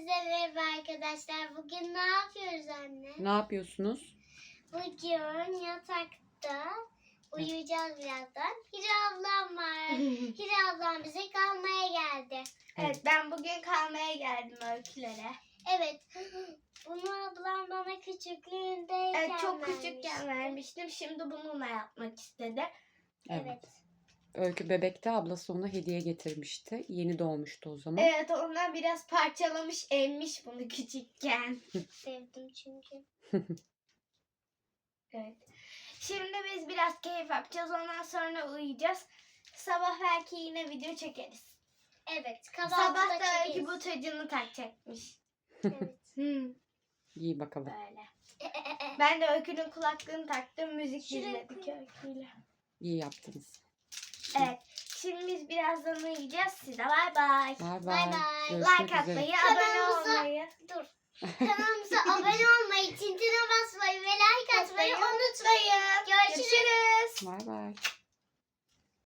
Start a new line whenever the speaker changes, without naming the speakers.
Hepinize merhaba arkadaşlar. Bugün ne yapıyoruz anne?
Ne yapıyorsunuz?
Bugün yatakta uyuyacağız birazdan. Hira ablam var. Hira ablam bize kalmaya geldi.
Evet, ben bugün kalmaya geldim öykülere.
Evet. Bunu ablam bana küçüklüğündeyken
Evet, çok
vermişti.
küçükken vermiştim. Şimdi bununla yapmak istedi.
Evet.
Öykü bebekte ablası ona hediye getirmişti. Yeni doğmuştu o zaman.
Evet, ondan biraz parçalamış, emmiş bunu küçükken.
Sevdim çünkü.
Evet. Şimdi biz biraz keyif yapacağız. Ondan sonra uyuyacağız. Sabah belki yine video çekeriz.
Evet.
Sabah
Kahvaltıda
da Öykü
çekeriz.
bu tacını takacakmış.
Evet.
İyi bakalım.
Böyle. Ben de Öykü'nün kulaklığını taktım. Müzik
Şuraya
dinledik
koy.
Öykü'yle.
İyi yaptınız.
Evet. Şimdi biz birazdan uyuyacağız. Size bay bay.
Bay
Bay
bay.
bay.
Görüşmek
Like atmayı,
üzere.
abone
Kanalımıza-
olmayı.
Dur. Kanalımıza abone olmayı, tintine basmayı ve like atmayı unutmayın.
Görüşürüz.
Bay bay.